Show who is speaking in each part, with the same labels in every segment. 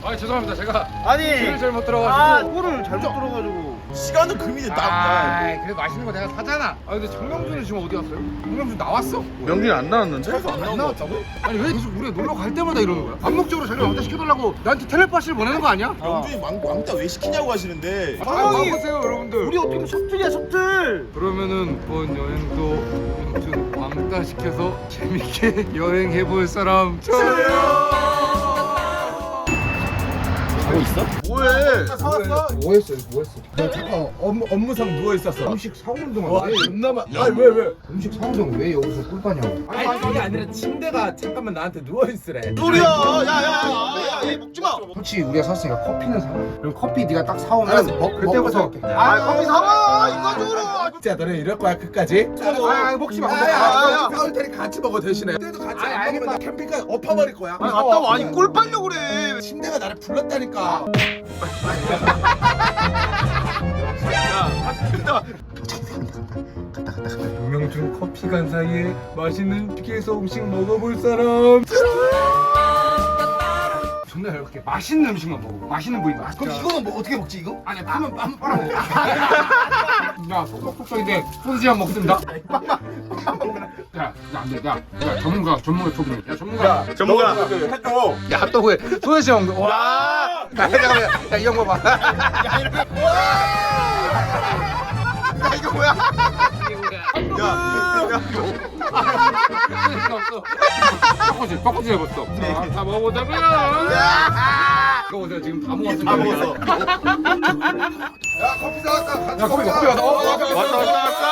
Speaker 1: 아 죄송합니다. 제가
Speaker 2: 아니
Speaker 1: 길을 잘못 들어가지고.
Speaker 2: 골을 잘못 들어가지고
Speaker 3: 시간은 금이 됐다.
Speaker 1: 아, 그래 맛있는 거 내가 사잖아. 아 근데 정명준은 지금 어디 갔어요? 정명준 나왔어?
Speaker 2: 명준이 안 나왔는데?
Speaker 1: 안 나왔다고? 아니 왜 계속 우리가 놀러 갈 때마다 이러는 거야? 암묵적으로 자기가 왕따 시켜달라고 나한테 텔레파시를 보내는 거 아니야?
Speaker 3: 명준이 왕따 왜 시키냐고 하시는데.
Speaker 1: 상황이 보세요 여러분들.
Speaker 2: 우리 어떻게 보면 섭틀이야 섭틀.
Speaker 1: 그러면은 이번 여행도 명준 왕따 시켜서 재밌게 여행해볼 사람 저요.
Speaker 3: 자고 있어?
Speaker 2: 뭐해?
Speaker 3: 사왔어?
Speaker 1: 뭐 했어? 뭐 했어?
Speaker 4: 나 잠깐 업무상 누워 있었어.
Speaker 1: 음식 사오는 동안
Speaker 4: 와,
Speaker 1: 왜
Speaker 4: 존나만. 아니 왜?
Speaker 1: 음식 사오는 동안 왜 여기서 꿀빠냐고?
Speaker 4: 아니 그게 아니라 침대가 잠깐만 나한테 누워 있으래.
Speaker 3: 소리야. 야야야야 먹지 마.
Speaker 1: 솔직히 우리가 샀으니까 커피는 사. 그럼 커피 네가 딱 사오면 먹고 사올게.
Speaker 3: 커피 사와 인간적으로.
Speaker 4: 진짜 너네 이럴 거야 끝까지?
Speaker 1: 아 먹지 마.
Speaker 4: 야, 사올 테니 같이 먹어 대신에. 그때도 같이
Speaker 1: 아니,
Speaker 4: 안
Speaker 1: 알겠다.
Speaker 4: 먹으면 나 캠핑카 엎어버릴 거야.
Speaker 3: 아니 갔다 와. 아니 꿀 빨려 그래.
Speaker 4: 침대가 나를 불렀다니까.
Speaker 1: 유명준 커피 간 사이에 맛있는 휴게소 음식 먹어볼 사람. 존나 이렇게 맛있는 음식만 먹어. 맛있는 부위 맛.
Speaker 3: 그럼 이거는 뭐 어떻게 먹지 이거?
Speaker 1: 아니 파면 빨아먹어. 야 톡톡톡톡인데 소시지 안 먹습니다. 야 안돼. 야 전문가 초빙. 야 전문가.
Speaker 3: 전문가 해줘.
Speaker 1: 야 핫도그에 소시지 먹는 거. 와. 야 잠깐만. 야 이 형 봐봐.
Speaker 3: 야 이거 뭐야? 야.
Speaker 1: 꺾어지 해봤어. 다 먹어보자고요. 이거 보세요 지금 다 먹었어.
Speaker 3: 다 먹었어.
Speaker 4: 야 커피 사왔다. 같이
Speaker 1: 야 커피
Speaker 4: 먹자.
Speaker 1: 커피 왔다.
Speaker 3: 왔다.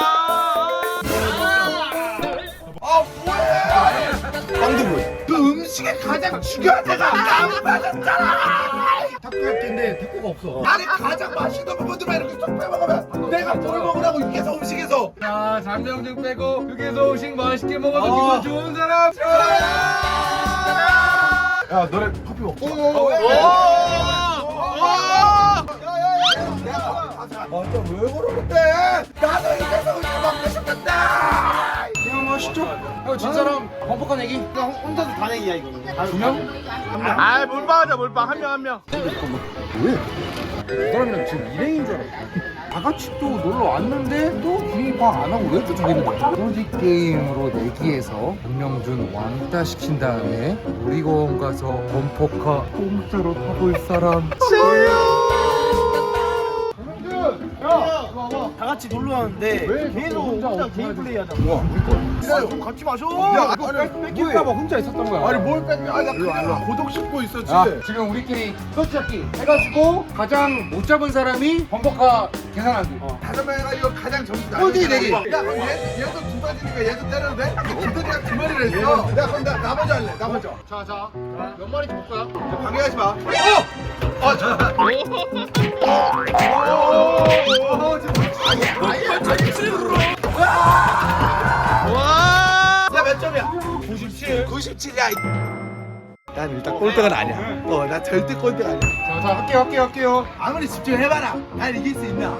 Speaker 3: 아 뭐야? 빵두부.
Speaker 4: 그 음식에 가장 중요한 데가 안 맞았잖아.
Speaker 1: 탁구할텐데 탁구가 없어.
Speaker 4: 아니 가장 맛있는 부분들만 이렇게 쏙 빼먹으면 내가 뭘 먹으라고 육개서 음식에서.
Speaker 1: 자 잠명증 빼고 휴게소 음식 맛있게 먹어서 기분 좋은 사람.
Speaker 4: 야 너네 커피 먹자. 아왜 그러는데? 나도 육개서 음식 먹고 싶은데.
Speaker 1: 그냥 맛있죠? 형 진짜랑 범퍼카 내기.
Speaker 2: 그냥 혼자서 다 내기야 이거는.
Speaker 1: 두 명?
Speaker 3: 아 몰빵하자 몰빵 한 명.
Speaker 1: 이 사람이랑 지금 일행인 줄 알았어. 다 같이 또 놀러 왔는데 또 분위기 파악 안 하고 왜 또 저기 있는 거야? 소지 게임으로 내기해서 정명준 왕따 시킨 다음에 놀이공원 가서 범퍼카 공짜로 타볼 사람.
Speaker 2: 다 같이 놀러 왔는데
Speaker 1: 왜
Speaker 2: 계속
Speaker 1: 혼자
Speaker 2: 혼자
Speaker 1: 어디
Speaker 2: 개인
Speaker 1: 가야
Speaker 2: 플레이 하자.
Speaker 4: 기다려.
Speaker 2: 좀 같이 마셔.
Speaker 4: 야,
Speaker 1: 이거
Speaker 4: 아니,
Speaker 1: 뺏길까봐 혼자 있었던 거야.
Speaker 4: 아니 뭘 뺏겨? 아니 나 그냥 고독 씹고 있었지.
Speaker 1: 야, 지금 우리끼리 소지잡기 해가지고 가장 못 잡은 사람이 범퍼카 계산하기.
Speaker 4: 다섯 명이가 이거 가장 점수
Speaker 1: 꼴찌 내기.
Speaker 4: 야 그럼 얘도 두 마리니까 얘도 때려도 돼? 기들이가 두 마리를 했어. 야 그럼 나 먼저 할래. 나 먼저.
Speaker 1: 자, 몇 마리 볼 거야?
Speaker 4: 방해하지 마. 야몇 점이야? 97. 97이야. 난 일단 꼴등은 아니야. 나 절대 꼴등 아니야.
Speaker 1: 자, 할게요.
Speaker 4: 아무리 집중해봐라. 난 이길 수 있나?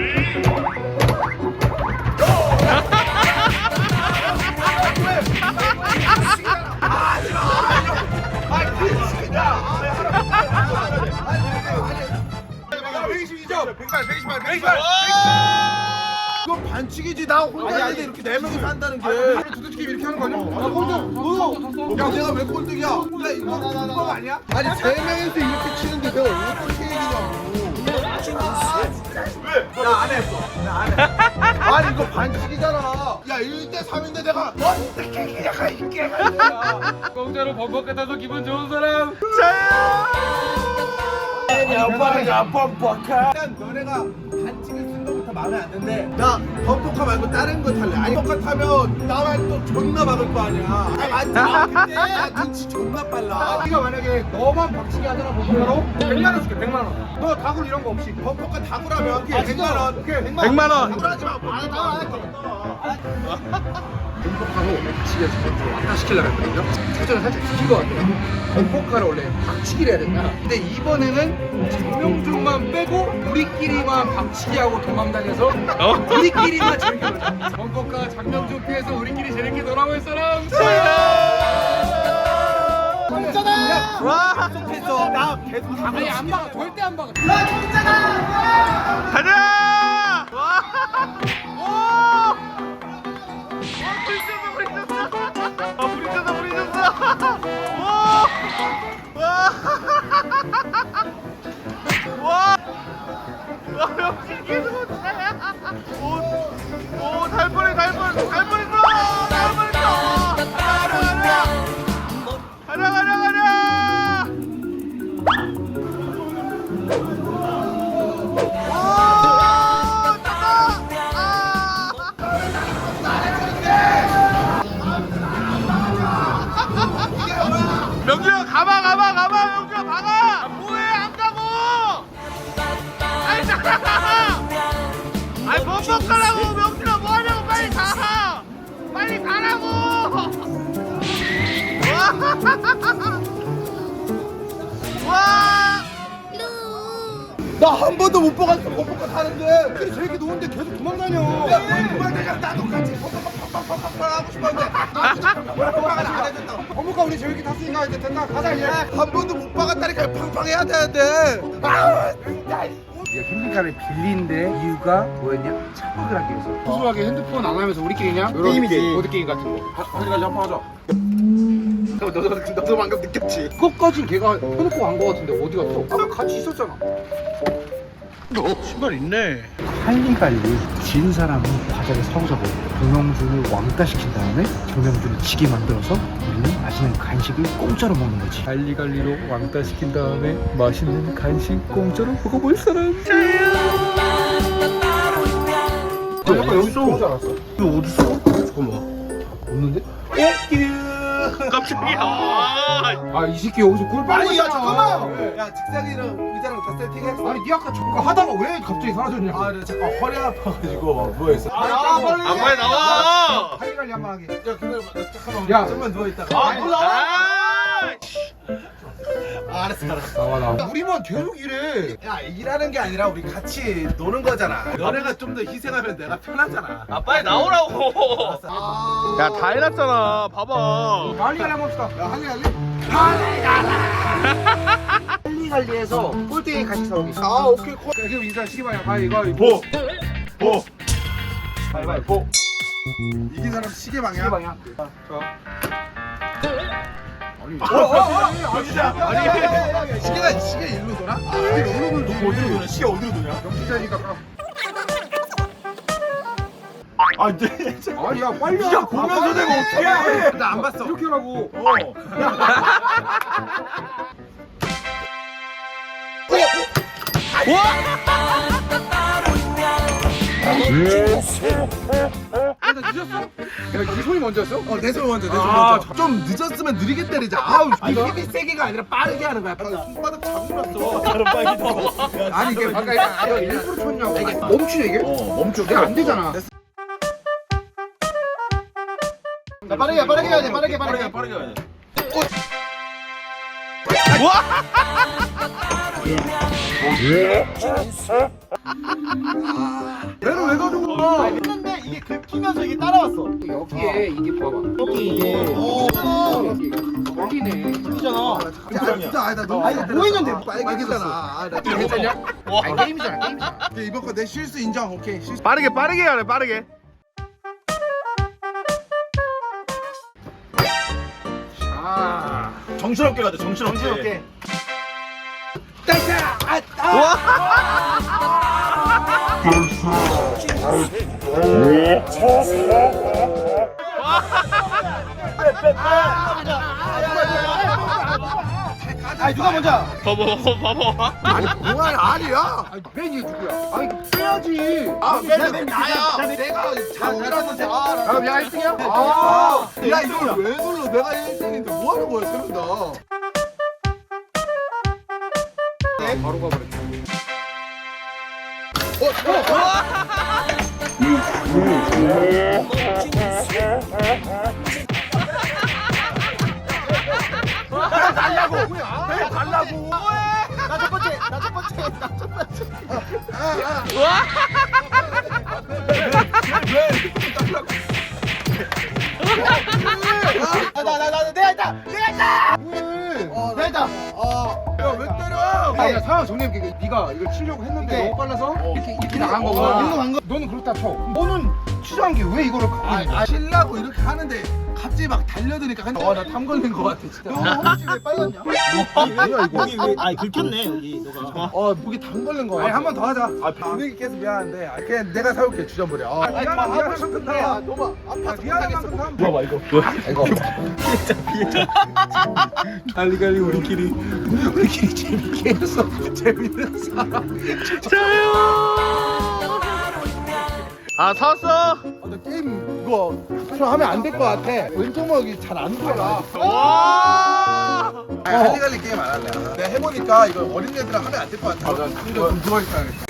Speaker 4: 이거 반칙이지. 나 혼자 있는데 이렇게 네 명이서 한다는 게.
Speaker 1: 두두치기 이렇게 하는 거 아니야?
Speaker 4: 야 내가 왜 꼴등이야? 야 이거 불법 아니야? 아니 세 명이서 이렇게 치는데 내가 왜 꼴등 얘기냐고. 나안 했어. 나안 해. 아니 이거 반칙이잖아. 야 1대 3인데 내가 어떻게 이겨가 이게.
Speaker 1: 공짜로 범퍼카 타서 기분 좋은 사람.
Speaker 4: 야 범퍼카. 일단 너네가 반칙을 쓴 거부터 마음에 안 드는데 나 범퍼카 말고 다른 거 탈래. 아니 범퍼카 타면 나만 또 존나 막을 거 아니야. 아니 맞지. 근데 나 눈치 존나 빨라.
Speaker 1: 네가 만약에 너만 박치기 하잖아 범퍼카로 100만 원 줄게 100만 원. 너 다굴 이런 거 없이.
Speaker 4: 범퍼카 다구라면 100만 원.
Speaker 1: 오케이 100만
Speaker 3: 100만 원.
Speaker 4: 다구라지 마. 안 해.
Speaker 1: 범퍼카로 박치기에서 먼저 왕따 시키려고 했거든요. 사전을 살짝 지킨 것 같아요. 범퍼카를 원래 박치기를 해야 된다. 근데 이번에는 정명준만 빼고 우리끼리만 박치기하고 도망다녀서 우리끼리만 재밌게 놀자. 범퍼카 장명준 피해서 우리끼리 재밌게 놀아볼 사람.
Speaker 2: 있잖아.
Speaker 3: 와
Speaker 2: 계속했어. 나 계속
Speaker 1: 아니 안 박아 절대 안 박아.
Speaker 3: 가자 와 오! 부딪혔어 와 역시 계속 오달 뻔했어 가자 명준아 가봐 명준아 박아 뭐해 안 가고 아이 잠깐만 아이 뻑뻑 가라고 명준아 뭐하냐고 빨리 가라고 와
Speaker 4: 나 한 번도 못 봐갔어 범퍼카 타는데 그래 저렇게 노는데 계속 도망다녀 야 도망다녀 나도 같이 팍팍팍팍팍 하고 싶었는데 뭐라고 안 해줬다 범퍼카 우리 저렇게 탔으니까 이제 됐다 가자 이제 한 번도 못 봐갔다니까 팡팡 해야 되는데 아우 진짜
Speaker 1: 우리가 캠핑카를 빌린데 이유가 뭐였냐? 차박을 하기 위해서. 소소하게 핸드폰 안 하면서 우리끼리 그냥 이런
Speaker 2: 게임이지.
Speaker 1: 보드 게임 같은 거.
Speaker 4: 어디까지 한판 하자 너도 방금 느꼈지?
Speaker 1: 그것까진 걔가 펴놓고 간 거 같은데 어디 갔어? 아까 같이 있었잖아.
Speaker 3: 신발 있네
Speaker 1: 할리갈리 진 사람이 바닥에 사오자고 정명준을 왕따 시킨 다음에 정명준을 지게 만들어서 우리는 맛있는 간식을 공짜로 먹는 거지. 할리갈리로 왕따 시킨 다음에 맛있는 간식 공짜로 먹어볼 사람.
Speaker 4: 약간 여기 좀 오지 않았어?
Speaker 3: 이거 어딨어?
Speaker 4: 잠깐만
Speaker 1: 없는데?
Speaker 3: 깜짝이야
Speaker 1: 아 이 새끼 여기서 꿀 빨고
Speaker 4: 아니 야
Speaker 1: 있잖아.
Speaker 4: 잠깐만 야 직상이랑 의자랑 다 세팅했어?
Speaker 1: 아니 니 아까 저거 하다가 왜 갑자기 사라졌냐?
Speaker 4: 아, 나 잠깐 허리 아파가지고 누워있어.
Speaker 2: 빨리.
Speaker 3: 아 빨리 나와
Speaker 1: 할리갈리 한 번 하게.
Speaker 4: 야, 그래, 나 잠깐만.
Speaker 1: 야.
Speaker 4: 좀만 누워있다가.
Speaker 3: 아 몰라
Speaker 4: 알았어.
Speaker 1: 나와 나와.
Speaker 4: 우리만 계속 이래. 야, 일하는 게 아니라 우리 같이 노는 거잖아. 너네가 좀 더 희생하면 내가 편하잖아.
Speaker 3: 아 빨리 나오라고
Speaker 4: 아.
Speaker 3: 야 다 해놨잖아 봐봐
Speaker 1: 할리갈리 한번 합시다.
Speaker 4: 야, 할리.
Speaker 1: 할리갈리에서 꼴등이 간식 사오기.
Speaker 4: 아, 오케이, 콜.
Speaker 1: 그럼 인사 시기방이야. 가위바위보.
Speaker 3: 보
Speaker 1: 가위바위보.
Speaker 4: 이긴 사람 시계방이야.
Speaker 1: 시기방이야.
Speaker 4: 아니, 시계 일로 돌아? 시계 어디로 도냐?
Speaker 1: 영수자니까 까.
Speaker 3: 아 네.
Speaker 1: 아니 야 빨리.
Speaker 3: 야 보면서 내가 어떻게 해
Speaker 4: 나 안 봤어.
Speaker 1: 이렇게 하라고. 아, 나 늦었어? 야, 네 손이 먼저였어?
Speaker 4: 내 손 먼저, 내 손
Speaker 3: 아,
Speaker 4: 먼저. 좀 늦었으면 느리게 때리자. 아우, 이
Speaker 1: 이거?
Speaker 4: 힘이 세게가 아니라 빠르게 하는 거야. 손바닥 자국났어.
Speaker 1: 아니 이게 아까 이거 일부러 쳤냐고. 이게 멈추냐 이게?
Speaker 3: 멈춰
Speaker 1: 내가 안 되잖아.
Speaker 2: 자, 빠르게 해야 돼. 빠르게.
Speaker 3: 빠르게 가야 돼
Speaker 4: 얘는 왜 가지고 가?
Speaker 2: 했는데 이게 긁히면서 이게 따라왔어.
Speaker 1: 여기에 이게 봐봐. 여기 이게 여기네.
Speaker 2: 긁히잖아.
Speaker 4: 진짜 아니 나 너무
Speaker 2: 아, 이거 뭐 했는데?
Speaker 4: 빨개졌잖아. 아, 나
Speaker 1: 이거 괜찮냐? 아니 게임이잖아 게임이잖아.
Speaker 4: 이번 거 내 실수 인정. 오케이. 실수.
Speaker 3: 빠르게 해야 돼 빠르게
Speaker 1: 아.
Speaker 3: 정신없게 가자 정신없게
Speaker 2: 아, 누가 먼저?
Speaker 3: 봐봐
Speaker 4: 아니 뭐야 아니야.
Speaker 1: 아니 맨이 누구야? 아니 빼야지.
Speaker 4: 아,
Speaker 2: 맨
Speaker 4: 나야.
Speaker 2: 나야.
Speaker 4: 내가 잘못해서
Speaker 1: 아 내가 1등이야?
Speaker 4: 아, 야 이걸 왜 눌러? 내가 1등인데 뭐 하는 거야, 세명 다.
Speaker 1: 바로 가버렸네.
Speaker 2: 내가 있다.
Speaker 1: 아니야 상황 정리해볼게. 네가 이걸 치려고 했는데
Speaker 2: 이게-
Speaker 1: 너무 빨라서 이렇게 나간 거고
Speaker 2: 이리로 간 거.
Speaker 1: 너는 그렇다 쳐. 너는 취소한 게 왜 이거를 갖고 있는 거야?
Speaker 4: 치려고 이렇게 하는데 갑자기 막 달려드니까 나 탐 걸린 거 같아 진짜.
Speaker 2: 너 허벅지 왜 빨갛냐?
Speaker 1: 뭐야 이거?
Speaker 2: 여기 왜 아니 긁혔네 여기 너가.
Speaker 4: 목이 담 걸린 거
Speaker 1: 아니
Speaker 4: 같아.
Speaker 1: 한 번 더 하자.
Speaker 4: 분위기 깨서 미안한데 그냥 내가 사올게 주전부리.
Speaker 1: 미안한 만큼 다.
Speaker 2: 너봐 아파서
Speaker 1: 미안한 만큼 다.
Speaker 4: 봐봐 이거.
Speaker 1: 이거
Speaker 4: 갈리갈리 우리끼리 재밌게 해서 재밌는 사람.
Speaker 3: 아 사왔어.
Speaker 4: 나 게임 이거 앞으로 하면 안 될 것 같아. 왼쪽 먹이 잘 안 돌아.
Speaker 3: 와.
Speaker 4: 갈리갈리 게임 안 할래. 내가 해보니까 이거 어린애들은 하면 안 될 것 같아. 좀 두마리 사야겠다.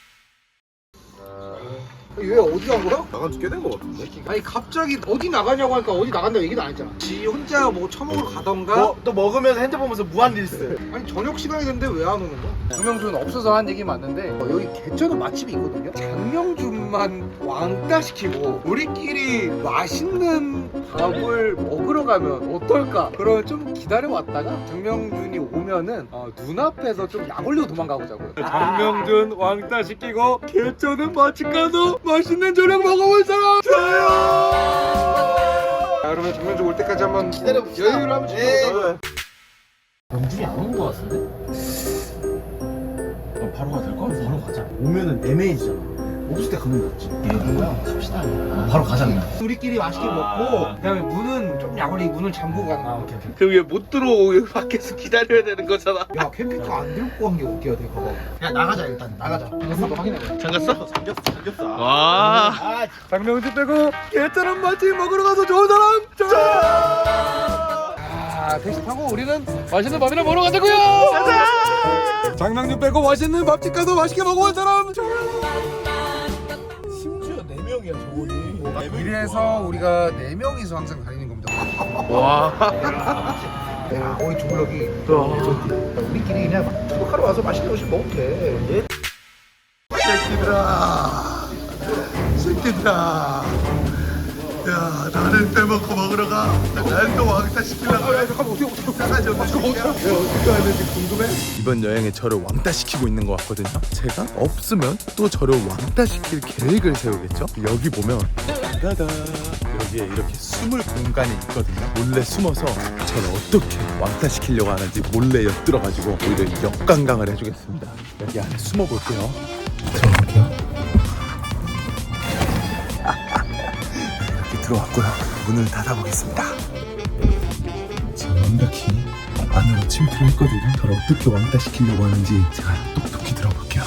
Speaker 1: 얘 어디 간 거야?
Speaker 4: 나간 지 꽤 된 것 같은데.
Speaker 1: 아니 갑자기 어디 나가냐고 하니까 어디 나간다고 얘기도 안 했잖아. 지 혼자 뭐 처먹으러 가던가.
Speaker 2: 또 먹으면서 핸드폰 보면서 무한 릴스.
Speaker 1: 아니 저녁 시간이 됐는데 왜 안 오는 거야? 정명준 없어서 한 얘기 맞는데 여기 개천은 맛집이 있거든요. 장명준만 왕따 시키고 우리끼리 맛있는 밥을 먹으러 가면 어떨까? 그러면 좀 기다려 왔다가 장명준이 오면은 눈앞에서 좀 약 올리고 도망가보자고요. 장명준 왕따 시키고 개천은 맛집 가서 맛있는 저녁 먹어볼 사람 저요. 자, 그러면 장명준 올 때까지 한번
Speaker 2: 기다려봅시다.
Speaker 1: 여유를 한번 주세요.
Speaker 2: 명준이 안 오는 거 같은데? 바로 가야 될 거? 바로 가자. 오면은 애매해지잖아. 없을 때 가면 낫지. 뭐야? 갑시다. 바로 가자 그냥. 우리끼리 맛있게 먹고.
Speaker 1: 그다음에 문은 좀 약올리고 문을 잠그고 가는 거야.
Speaker 2: 오케이.
Speaker 3: 그럼 얘 못 들어오고 여기 밖에서 기다려야 되는 거잖아.
Speaker 1: 야 캠핑카 안 들고 간 게 어디야 돼 그거.
Speaker 2: 야 나가자 일단 나가자.
Speaker 1: 한번 확인해 봐.
Speaker 3: 잠갔어?
Speaker 2: 잠겼어.
Speaker 3: 와.
Speaker 2: 아
Speaker 1: 장명준 빼고 개쩌는 맛집 먹으러 가서 좋은 사람 자 택시 타고 우리는 맛있는 밥이나 먹으러 가자고요. 가자. 장명준 빼고 맛있는 밥집 가서 맛있게 먹어본 사람
Speaker 4: 심지어 4명이야 저분이.
Speaker 1: 이래서 우리가 4명이서 항상 다니는 겁니다.
Speaker 3: 와.
Speaker 1: 거의 주블럭이
Speaker 2: 우리끼리 그냥 투박하러 와서 맛있는 음식 먹으면 돼.
Speaker 4: 새끼들아. 야 나를 빼먹고 먹으러 가. 날 또 왕따 시키려고.
Speaker 1: 잠깐만 어떻게
Speaker 4: 어떻게 하는지 궁금해? 이번 여행에 저를 왕따 시키고 있는 것 같거든요. 제가 없으면 또 저를 왕따 시킬 계획을 세우겠죠. 여기 보면 따다 여기에 이렇게 숨을 공간이 있거든요. 몰래 숨어서 저를 어떻게 왕따 시키려고 하는지 몰래 엿들어가지고 오히려 역관광을 해주겠습니다. 여기 안에 숨어볼게요. 들어갈게요. 이렇게 들어왔고요. 문을 닫아보겠습니다. 지금 완벽히 안으로 침투를 했거든요. 저를 어떻게 왕따 시키려고 하는지 제가 똑똑히 들어볼게요.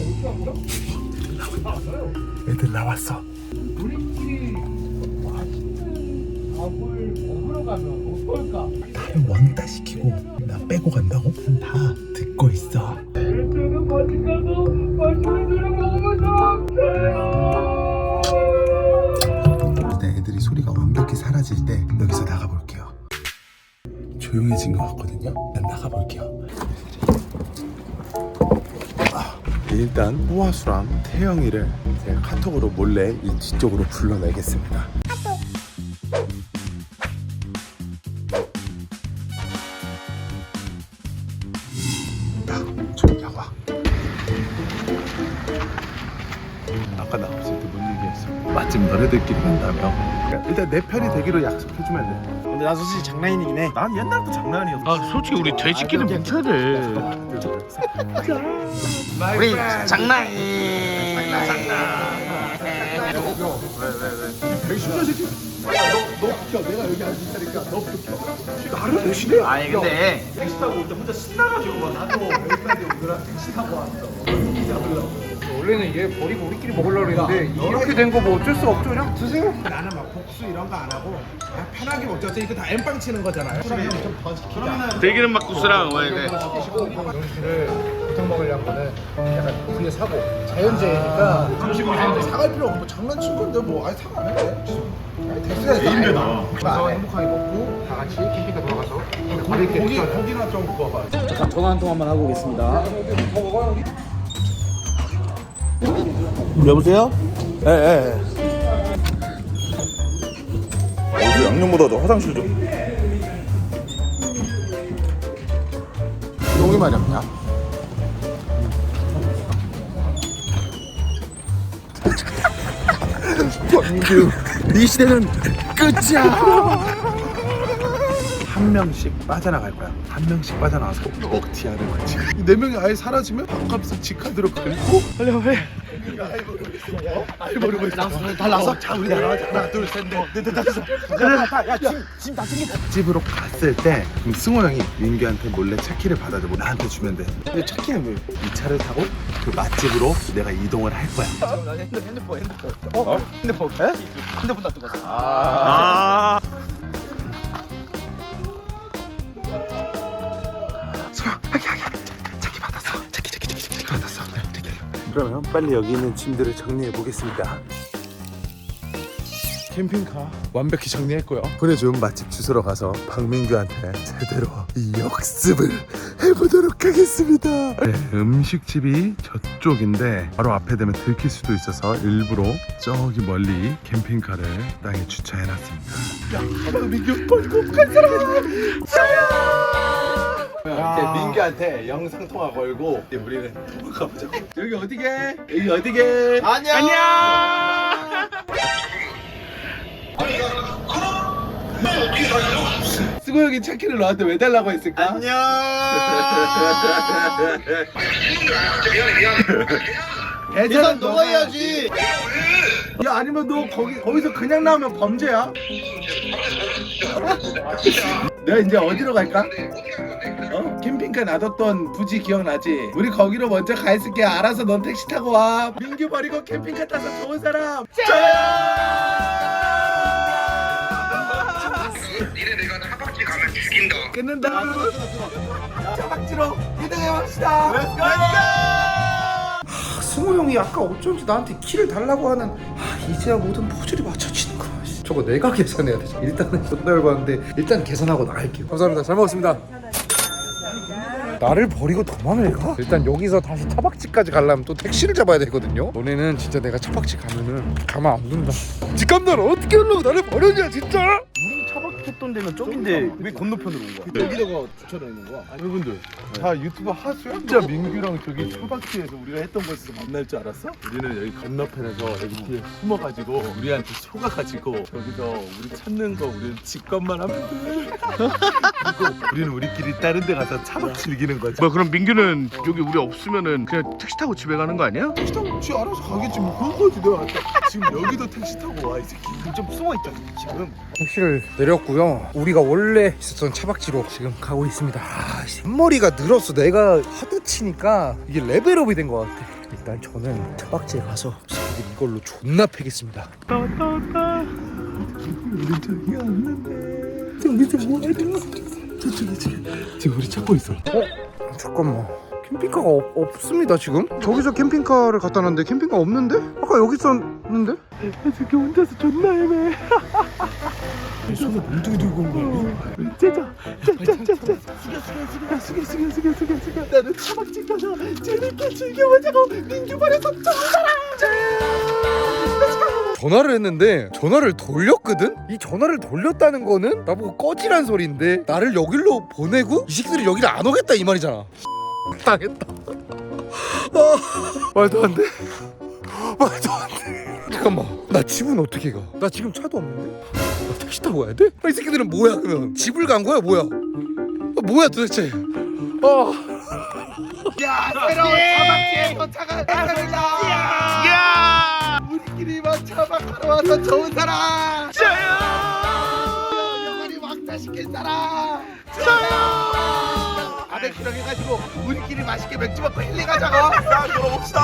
Speaker 4: 애들 나왔어.
Speaker 1: 우리끼리 맛있는 밥을 먹으러 가면 어떨까?
Speaker 4: 나를 왕따 시키고 나 빼고 간다고? 다 듣고 있어.
Speaker 1: 개쩌는 맛집 가서 맛있는 저녁 먹어본 사람
Speaker 4: 일단 애들이 소리가 완벽히 사라질 때 여기서 나가볼게요. 조용해진 것 같거든요. 일단 나가볼게요. 일단 호화수랑 태영이를 제가 카톡으로 몰래 이 뒤쪽으로 불러내겠습니다. 좀 나와. 아까 나 없을 때 뭔 얘기했어? 맛집 너네들끼리 간다며. 그러니까 일단 내 편이 되기로 약속해주면 돼.
Speaker 2: 근데 나 솔직히 장난이긴 해.
Speaker 4: 난 옛날부터 장난이었어.
Speaker 3: 아 솔직히 우리 돼지끼리 뭉쳐야 돼.
Speaker 2: 우리 장난이.
Speaker 4: 되게 심한 새끼. 너 비켜. 내가 여기 앉을 테니까 너 비켜. 나를 대신해.
Speaker 2: 아니 근데
Speaker 4: 택시 타고 올 때 혼자 신나가지고 막 나도 여기까지 오느라 택시 타고 왔어.
Speaker 1: 원래는 얘 버리고 우리끼리 먹으려고 했는데 이렇게 된 거 뭐 어쩔 수 없죠. 그냥 드세요.
Speaker 4: 나는 막 복수 이런 거 안 하고 그냥 편하게 먹자. 어차피 이거 다 엠빵 치는 거잖아요.
Speaker 3: 들기름 막국수랑 뭐 이게.
Speaker 1: 영씨를 부탁 먹으려는 거는 약간 우리의 사고 자연재해니까
Speaker 4: 음식을 사는데 사갈 필요 없고 장난친 건데 뭐 아예 사가 안 해. 아니 됐어요.
Speaker 1: 게임이다. 그래서 행복하게 먹고 다 같이 캠핑카 돌아가서
Speaker 4: 고기나 좀 구워봐.
Speaker 2: 잠깐 전화 한 통 한번 하고 오겠습니다. 여보세요? 예.
Speaker 4: 양념보다 더 화장실 좀. 똥이 마렵냐?
Speaker 1: 권민규 이 시대는 끝이야.
Speaker 4: 한 명씩 빠져나갈 거야. 한 명씩 빠져나와서 먹튀하는 거지. 네 명이 아예 사라지면 밥값을 지카드로 긁고 빨리. 아이 모르고 있어. 달라서. 자 우리 나가자. 하나 둘셋넷 다섯. 야짐 다 챙겨. 집으로 갔을 때 그럼 승호 형이 민규한테 몰래 차키를 받아줘. 나한테 주면 돼. 근데 차키는 왜? 이 차를 타고 그 맛집으로 내가 이동을 할 거야.
Speaker 3: 핸드폰.
Speaker 4: 핸드폰.
Speaker 3: 핸드폰 놔두고 갔어.
Speaker 4: 아. 그러면 빨리 여기 있는 짐들을 정리해 보겠습니다. 캠핑카 완벽히 정리했고요. 보내준 맛집 주소로 가서 박민규한테 제대로 이 역습을 해보도록 하겠습니다. 네, 음식집이 저쪽인데 바로 앞에 되면 들킬 수도 있어서 일부러 저기 멀리 캠핑카를 땅에 주차해놨습니다. 야, 박민규 벌금 간 사람! 이제 민규한테 영상 통화 걸고 이제 우리는 도망가보자. 여기 어디게? 여기 어디게?
Speaker 3: 안녕.
Speaker 4: 수고 형이 차키를 너한테 왜 달라고 했을까?
Speaker 3: 안녕.
Speaker 4: 계산
Speaker 3: 너가 해야지.
Speaker 4: 야 아니면 너 거기서 그냥 나오면 범죄야? 내가 이제 어디로 갈까? 캠핑카 놔뒀던 부지 기억나지? 우리 거기로 먼저 가 있을게. 알아서 넌 택시 타고 와. 민규 버리고 캠핑카 타서 좋은 사람
Speaker 5: 니네 내가 차박지 가면 죽인다.
Speaker 4: 끊는다. 차박지로 이동해봅시다.
Speaker 1: 승호 형이 아까 어쩐지 나한테 키를 달라고 하는 이제야 모든 퍼즐이 맞춰지는구나. 저거 내가 계산해야 되지. 일단은 존나 열받는데 일단 계산하고 나갈게요. 감사합니다. 잘 먹었습니다. 나를 버리고 도망을 가? 일단 여기서 다시 차박지까지 가려면 또 택시를 잡아야 되거든요. 너네는 진짜 내가 차박지 가면은 가만 안 둔다. 직감날 어떻게 하려고 나를 버렸냐 진짜?
Speaker 2: 우리 차박했던 데는 저긴데 왜 건너편으로 온 거야?
Speaker 4: 여기다가 주차를 있는 거야. 여러분들 다 유튜브 하수야? 진짜 민규랑 저기 차박지에서 우리가 했던 곳에서 만날 줄 알았어? 우리는 여기 건너편에서 여기 뒤에 숨어가지고 우리한테 속아가지고 저기서 우리 찾는 거 우리는 직관만 하면 돼. 그리고 우리는 우리끼리 다른 데 가서 차박 즐기는 거지.
Speaker 3: 뭐 그럼 민규는 여기 우리 없으면은 그냥 택시 타고 집에 가는 거 아니야?
Speaker 4: 택시 타고 지 알아서 가겠지 뭐. 그런 거지 내가 아까. 지금 여기도 택시 타고 와 이 새끼.
Speaker 2: 좀 숨어있잖아 지금.
Speaker 1: 택시를 내렸고요. 우리가 원래 있었던 차박지로 지금 가고 있습니다. 앞머리가 늘었어. 내가 하드 치니까 이게 레벨업이 된 것 같아. 일단 저는 차박지에 가서 이걸로 존나 패겠습니다.
Speaker 4: 우리 저기 왔는데 저기 뭐하냐? 저쪽에 지금 우리 찾고 있어.
Speaker 1: 잠깐만. 캠핑카가 없습니다 지금? 저기서 캠핑카를 갖다 놨는데 캠핑카 없는데? 아까 여기 있었는데?
Speaker 4: 저기 혼자서 존나 헤매. 손에 몽둥이 들고 온 거야. 짜자. 숙여. 나는 차박집 가서 재밌게 즐겨보자고. 민규 버려서
Speaker 1: 전화를 했는데 전화를 돌렸거든? 이 전화를 돌렸다는 거는 나보고 꺼지란 소리인데 나를 여기로 보내고 이 새끼들이 여기를 안 오겠다 이 말이잖아. 당했다. 말도 안 돼. 잠깐만, 나 집은 어떻게 가? 나 지금 차도 없는데? 나 택시 타고 가야 돼? 이 새끼들은 뭐야 그러면? 집을 간 거야 뭐야? 뭐야 도대체?
Speaker 4: 야 새로운 차박지에 도착한 사람이다.
Speaker 3: 야!
Speaker 4: 우리끼리만 차박하러 와서 좋은 사람.
Speaker 3: 저요!
Speaker 4: 영원히 왕따시킨 사람. 저요! 바베큐랑 해가지고 우리끼리 맛있게 맥주 먹고 힐링하자고. 자 들어봅시다.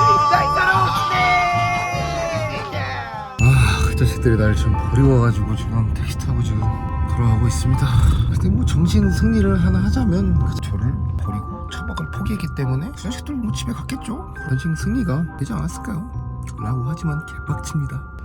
Speaker 1: 그 자식들이 나를 지금 버리고 와가지고 지금 택시 타고 지금 돌아가고 있습니다. 근데 뭐 정신 승리를 하나 하자면 저를 버리고 차박을 포기했기 때문에 그 자식들 뭐 집에 갔겠죠. 정신 승리가 되지 않았을까요? 라고 하지만 개빡칩니다.